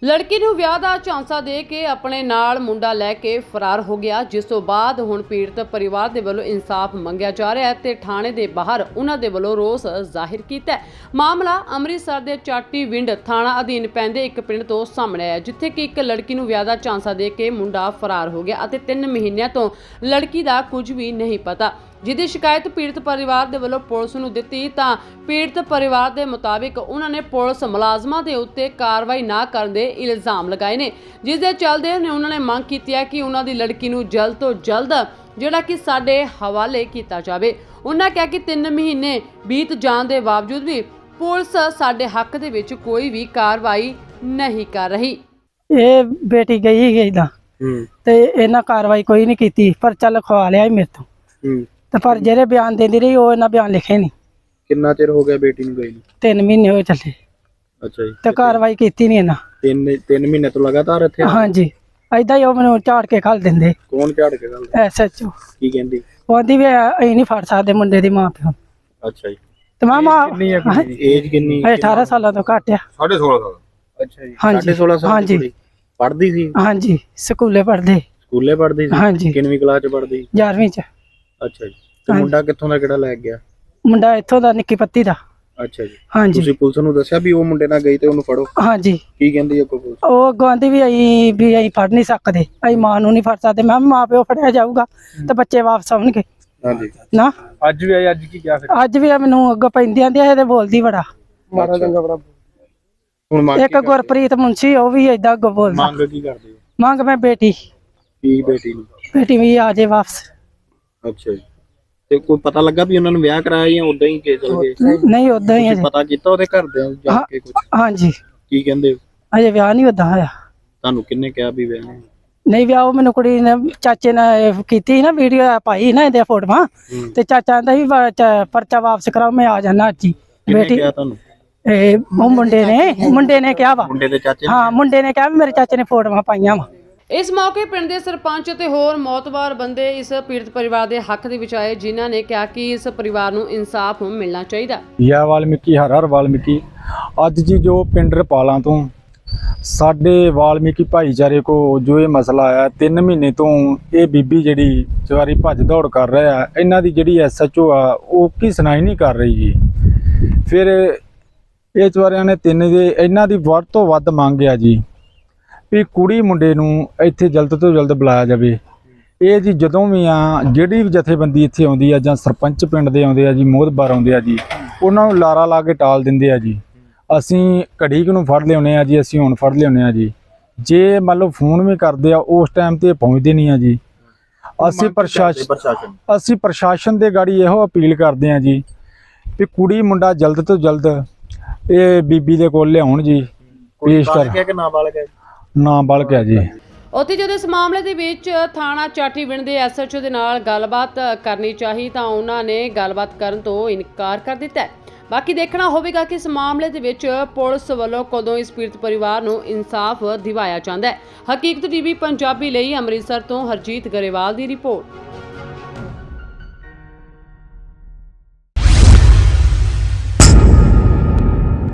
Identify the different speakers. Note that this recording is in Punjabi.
Speaker 1: ਲੜਕੀ ਨੂੰ ਵਿਆਹ ਦਾ ਝਾਂਸਾ ਦੇ ਕੇ ਆਪਣੇ ਨਾਲ ਮੁੰਡਾ ਲੈ ਕੇ ਫਰਾਰ ਹੋ ਗਿਆ, ਜਿਸ ਤੋਂ ਬਾਅਦ ਹੁਣ ਪੀੜਤ ਪਰਿਵਾਰ ਦੇ ਵੱਲੋਂ ਇਨਸਾਫ ਮੰਗਿਆ ਜਾ ਰਿਹਾ ਹੈ ਤੇ ਥਾਣੇ ਦੇ ਬਾਹਰ ਉਹਨਾਂ ਦੇ ਵੱਲੋਂ ਰੋਸ ਜ਼ਾਹਿਰ ਕੀਤਾ ਹੈ। ਮਾਮਲਾ ਅੰਮ੍ਰਿਤਸਰ ਦੇ ਚਾਟੀਵਿੰਡ ਥਾਣਾ ਅਧੀਨ ਪੈਂਦੇ ਇੱਕ ਪਿੰਡ ਤੋਂ ਸਾਹਮਣੇ ਆਇਆ, ਜਿੱਥੇ ਕਿ ਇੱਕ ਲੜਕੀ ਨੂੰ ਵਿਆਹ ਦਾ ਝਾਂਸਾ ਦੇ ਕੇ ਮੁੰਡਾ ਫਰਾਰ ਹੋ ਗਿਆ ਅਤੇ 3 ਮਹੀਨਿਆਂ ਤੋਂ ਲੜਕੀ ਦਾ ਕੁਝ ਵੀ ਨਹੀਂ ਪਤਾ। ਜਿਹਦੀ ਸ਼ਿਕਾਇਤ ਪੀੜਤ ਪਰਿਵਾਰ ਦੇ ਵੱਲੋਂ ਪੁਲਿਸ ਨੂੰ ਦਿੱਤੀ ਤਾਂ ਪੀੜਤ ਪਰਿਵਾਰ ਦੇ ਮੁਤਾਬਿਕ ਉਹਨਾਂ ਨੇ ਪੁਲਿਸ ਮੁਲਾਜ਼ਮਾਂ ਦੇ ਉੱਤੇ ਕਾਰਵਾਈ ਨਾ ਕਰਨ ਦੇ ਇਲਜ਼ਾਮ ਲਗਾਏ ਨੇ, ਜਿਸ ਦੇ ਚੱਲਦੇ ਉਹਨਾਂ ਨੇ ਮੰਗ ਕੀਤੀ ਹੈ ਕਿ ਉਹਨਾਂ ਦੀ ਲੜਕੀ ਨੂੰ ਜਲਦ ਤੋਂ ਜਲਦ ਜਿਹੜਾ ਕਿ ਸਾਡੇ ਹਵਾਲੇ ਕੀਤਾ ਜਾਵੇ। ਉਹਨਾਂ ਕਿਹਾ ਕਿ 3 ਮਹੀਨੇ ਬੀਤ ਜਾਣ ਦੇ ਬਾਵਜੂਦ ਵੀ ਪੁਲਿਸ ਸਾਡੇ ਹੱਕ ਦੇ ਵਿੱਚ ਕੋਈ ਵੀ ਕਾਰਵਾਈ ਨਹੀਂ ਕਰ ਰਹੀ।
Speaker 2: ਇਹ ਬੇਟੀ ਗਈ ਦਾ ਤੇ ਇਹਨਾਂ ਕਾਰਵਾਈ ਕੋਈ ਨਹੀਂ ਕੀਤੀ, ਪਰ ਚੱਲ ਖਵਾ ਲਿਆ ਮੇਰੇ ਤੋਂ ਤੇ ਪਰ ਜਿਹੜੇ ਬਿਆਨ ਦਿੰਦੀ ਰਹੀ ਉਹ ਇਹਨਾਂ ਬਿਆਨ ਲਿਖੇ ਨਹੀਂ।
Speaker 3: ਕਿੰਨਾ ਚਿਰ ਹੋ ਗਿਆ ਬੇਟੀ ਨੂੰ ਗਈ ਨੂੰ?
Speaker 2: 3 ਮਹੀਨੇ ਹੋਏ ਚੱਲੇ।
Speaker 3: ਅੱਛਾ ਜੀ।
Speaker 2: ਤੇ ਕਾਰਵਾਈ ਕੀਤੀ ਨਹੀਂ ਇਹਨਾਂ।
Speaker 3: 3 ਮਹੀਨੇ ਤੋਂ ਲਗਾਤਾਰ ਇੱਥੇ?
Speaker 2: ਹਾਂਜੀ, ਏਦਾਂ ਹੀ ਉਹ ਮੈਨੂੰ ਝਾੜ ਕੇ ਖਲ ਦਿੰਦੇ।
Speaker 3: ਕੌਣ ਝਾੜ ਕੇ ਗੱਲ?
Speaker 2: ਐਸਐਚਓ।
Speaker 3: ਕੀ ਕਹਿੰਦੀ?
Speaker 2: ਉਹ ਆਂਦੀ ਵੀ ਅਸੀਂ ਨਹੀਂ ਫੜ ਸਕਦੇ ਮੁੰਡੇ ਦੀ ਮਾਂ ਪਿਓ।
Speaker 3: ਅੱਛਾ ਜੀ।
Speaker 2: ਤੇ ਮਾਂ
Speaker 3: ਏਜ ਕਿੰਨੀ?
Speaker 2: 18 ਸਾਲਾਂ ਤੋਂ ਘੱਟ ਆ।
Speaker 3: 16.5 ਸਾਲ। ਅੱਛਾ ਜੀ।
Speaker 2: ਹਾਂਜੀ
Speaker 3: 16.5 ਸਾਲ
Speaker 2: ਹਾਂਜੀ
Speaker 3: ਪੜ੍ਹਦੀ ਸੀ?
Speaker 2: ਹਾਂਜੀ, ਸਕੂਲੇ ਪੜ੍ਹਦੇ।
Speaker 3: ਸਕੂਲੇ ਪੜ੍ਹਦੀ ਸੀ?
Speaker 2: ਹਾਂਜੀ।
Speaker 3: ਕਿੰਨਵੀਂ ਕਲਾਸ ਚ ਪੜ੍ਹਦੀ?
Speaker 2: 11ਵੀਂ ਚ।
Speaker 3: ਅੱਛਾ ਜੀ। ਤੇ ਮੁੰਡਾ ਕਿੱਥੋਂ ਦਾ ਕਿਹੜਾ ਲੈ ਗਿਆ?
Speaker 2: ਮੁੰਡਾ ਇੱਥੋਂ ਦਾ ਨਿੱਕੀ ਪੱਤੀ ਦਾ।
Speaker 3: ਅੱਛਾ ਜੀ।
Speaker 2: ਹਾਂਜੀ।
Speaker 3: ਤੁਸੀਂ ਪੁਲਿਸ ਨੂੰ ਦੱਸਿਆ ਵੀ ਉਹ ਮੁੰਡੇ ਨਾਲ ਗਈ ਤੇ ਉਹਨੂੰ ਫੜੋ?
Speaker 2: ਹਾਂਜੀ।
Speaker 3: ਕੀ ਕਹਿੰਦੀ ਹੈ ਪੁਲਿਸ?
Speaker 2: ਉਹ ਗਾਂਧੀ ਵੀ ਅਸੀਂ ਫੜ ਨਹੀਂ ਸਕਦੇ, ਅਸੀਂ ਮਾਂ ਨੂੰ ਨਹੀਂ ਫੜ ਸਕਦੇ। ਮੈਂ ਮਾਂ ਪਿਓ ਫੜਿਆ ਜਾਊਗਾ ਤੇ ਬੱਚੇ ਵਾਪਸ ਆਉਣਗੇ।
Speaker 3: ਹਾਂਜੀ।
Speaker 2: ਨਾ
Speaker 3: ਅੱਜ ਵੀ ਆਈ? ਅੱਜ ਕੀ ਕਿਹਾ ਫਿਰ?
Speaker 2: ਅੱਜ ਵੀ ਮੈਨੂੰ ਅੱਗੋਂ ਪੈਂਦੀ ਆਂਦੀ ਇਹ ਤੇ ਬੋਲਦੀ ਬੜਾ
Speaker 3: ਮਾਰਾ ਚੰਗਾ ਬੜਾ। ਹੁਣ ਮੰਗ
Speaker 2: ਇੱਕ ਗੁਰਪ੍ਰੀਤ ਮੁੰਸ਼ੀ ਉਹ ਵੀ ਏਦਾਂ ਅੱਗੋਂ ਬੋਲਦਾ।
Speaker 3: ਮੰਗ ਕੀ ਕਰਦੇ ਹੋ?
Speaker 2: ਮੰਗ ਮੈਂ ਬੇਟੀ
Speaker 3: ਕੀ ਬੇਟੀ ਨੂੰ?
Speaker 2: ਬੇਟੀ ਵੀ ਆ ਜੇ ਵਾਪਸ।
Speaker 3: ਅੱਛਾ ਜੀ। ਤੇ ਕੋਈ ਪਤਾ ਲੱਗਾ ਵੀ ਉਹਨਾਂ ਨੂੰ ਵਿਆਹ ਕਰਾਇਆ ਜਾਂ ਉਦਾਂ ਹੀ ਕੇ ਚਲ ਗਏ?
Speaker 2: ਨਹੀਂ ਉਦਾਂ ਹੀ ਅਜੇ।
Speaker 3: ਪਤਾ ਕੀਤਾ ਉਹਦੇ ਘਰਦਿਆਂ ਨੂੰ ਜਾ ਕੇ ਕੁਝ?
Speaker 2: ਹਾਂਜੀ।
Speaker 3: ਕੀ ਕਹਿੰਦੇ?
Speaker 2: ਅਜੇ ਵਿਆਹ ਨਹੀਂ ਉਦਾਂ ਹੋਇਆ।
Speaker 3: ਤੁਹਾਨੂੰ ਕਿੰਨੇ ਕਿਹਾ ਵੀ ਵਿਆਹ ਨਹੀਂ?
Speaker 2: ਨਹੀਂ ਵਿਆਹ ਉਹ ਮੈਨੂੰ ਕੁੜੀ ਨੇ ਚਾਚੇ ਨੇ ਕੀਤੀ ਨਾ, ਵੀਡੀਓ ਪਾਈ ਨਾ ਇਹਦੇ ਫੋਟੋਆਂ ਤੇ ਚਾਚਾ ਕਹਿੰਦਾ ਸੀ ਪਰਚਾ ਵਾਪਸ ਕਰਾਓ, ਮੈਂ ਆ ਜਾਣਾ ਅੱਜ ਹੀ।
Speaker 3: ਬੇਟੀ ਕਿਹਾ ਤੁਹਾਨੂੰ?
Speaker 2: ਇਹ ਉਹ ਮੁੰਡੇ ਨੇ ਕਿਹਾ ਵਾ।
Speaker 3: ਮੁੰਡੇ ਦੇ ਚਾਚੇ?
Speaker 2: ਹਾਂ, ਮੁੰਡੇ ਨੇ ਕਿਹਾ ਵੀ ਮੇਰੇ ਚਾਚੇ ਨੇ ਫੋਟੋਆਂ ਪਾਈਆਂ ਵਾ।
Speaker 1: ਇਸ ਮੌਕੇ ਪਿੰਡ ਦੇ ਸਰਪੰਚ ਅਤੇ ਹੋਰ ਮੌਤਬਾਰ ਬੰਦੇ ਇਸ ਪੀੜਤ ਪਰਿਵਾਰ ਦੇ ਹੱਕ ਦੇ ਵਿੱਚ ਆਏ, ਜਿਨ੍ਹਾਂ ਨੇ ਕਿਹਾ ਕਿ ਇਸ ਪਰਿਵਾਰ ਨੂੰ ਇਨਸਾਫ ਮਿਲਣਾ ਚਾਹੀਦਾ।
Speaker 4: ਯਾ ਵਾਲਮੀਕੀ ਹਰ ਵਾਲਮੀਕੀ। ਅੱਜ ਜੀ ਜੋ ਪਿੰਡ ਰਪਾਲਾਂ ਤੋਂ ਸਾਡੇ ਵਾਲਮੀਕੀ ਭਾਈਚਾਰੇ ਕੋ ਜੋ ਇਹ ਮਸਲਾ ਆਇਆ, 3 ਮਹੀਨੇ ਤੋਂ ਇਹ ਬੀਬੀ ਜਿਹੜੀ ਸਵਾਰੀ ਭੱਜ ਦੌੜ ਕਰ ਰਿਹਾ, ਇਹਨਾਂ ਦੀ ਜਿਹੜੀ ਐਸਐਚਓ ਆ ਉਹ ਕੀ ਸੁਣਾਈ ਨਹੀਂ ਕਰ ਰਹੀ ਜੀ। ਫਿਰ ਇਹ ਚਵਾਰਿਆਂ ਨੇ ਇਹਨਾਂ ਦੀ ਵੱਧ ਤੋਂ ਵੱਧ ਮੰਗ ਆ ਜੀ ਵੀ ਕੁੜੀ ਮੁੰਡੇ ਨੂੰ ਇੱਥੇ ਜਲਦ ਤੋਂ ਜਲਦ ਬੁਲਾਇਆ ਜਾਵੇ। ਇਹ ਜੀ ਜਦੋਂ ਵੀ ਆ ਜਿਹੜੀ ਵੀ ਜਥੇਬੰਦੀ ਇੱਥੇ ਆਉਂਦੀ ਆ ਜਾਂ ਸਰਪੰਚ ਪਿੰਡ ਦੇ ਆਉਂਦੇ ਆ ਜੀ, ਮੋਹਤਬਾਰ ਆਉਂਦੇ ਆ ਜੀ, ਉਹਨਾਂ ਨੂੰ ਲਾਰਾ ਲਾ ਕੇ ਟਾਲ ਦਿੰਦੇ ਆ ਜੀ। ਅਸੀਂ ਘੜੀ ਕੁ ਨੂੰ ਫੜ ਲਿਆਉਂਦੇ ਆ ਜੀ, ਅਸੀਂ ਹੁਣ ਫੜ ਲਿਆਉਂਦੇ ਆ ਜੀ। ਜੇ ਮੰਨ ਲਓ ਫੋਨ ਵੀ ਕਰਦੇ ਆ ਉਸ ਟਾਈਮ ਤੇ ਪਹੁੰਚਦੇ ਨਹੀਂ ਆ ਜੀ। ਅਸੀਂ ਪ੍ਰਸ਼ਾਸਨ ਦੇ ਗਾੜੀ ਇਹੋ ਅਪੀਲ ਕਰਦੇ ਆ ਜੀ ਵੀ ਕੁੜੀ ਮੁੰਡਾ ਜਲਦ ਤੋਂ ਜਲਦ ਇਹ ਬੀਬੀ ਦੇ ਕੋਲ ਲਿਆਉਣ ਜੀ। ਪੇਸ਼ ਕਰ। ਨਾਬਾਲਗ ਹੈ ਜੀ।
Speaker 1: ਉੱਥੇ ਜਦੋਂ ਇਸ ਮਾਮਲੇ ਦੇ ਵਿੱਚ ਥਾਣਾ ਚਾਟੀਵਿੰਡ ਦੇ ਐਸਐਚਓ ਦੇ ਨਾਲ ਗੱਲਬਾਤ ਕਰਨੀ ਚਾਹੀ ਤਾਂ ਉਹਨਾਂ ਨੇ ਗੱਲਬਾਤ ਕਰਨ ਤੋਂ ਇਨਕਾਰ ਕਰ ਦਿੱਤਾ। ਬਾਕੀ ਦੇਖਣਾ ਹੋਵੇਗਾ ਕਿ ਇਸ ਮਾਮਲੇ ਦੇ ਵਿੱਚ ਪੁਲਿਸ ਵੱਲੋਂ ਕਦੋਂ ਇਸ ਪੀੜਤ ਪਰਿਵਾਰ ਨੂੰ ਇਨਸਾਫ ਦਿਵਾਇਆ ਜਾਂਦਾ ਹੈ। ਹਕੀਕਤ ਟੀਵੀ ਪੰਜਾਬੀ ਲਈ ਅੰਮ੍ਰਿਤਸਰ ਤੋਂ ਹਰਜੀਤ ਗਰੇਵਾਲ ਦੀ ਰਿਪੋਰਟ।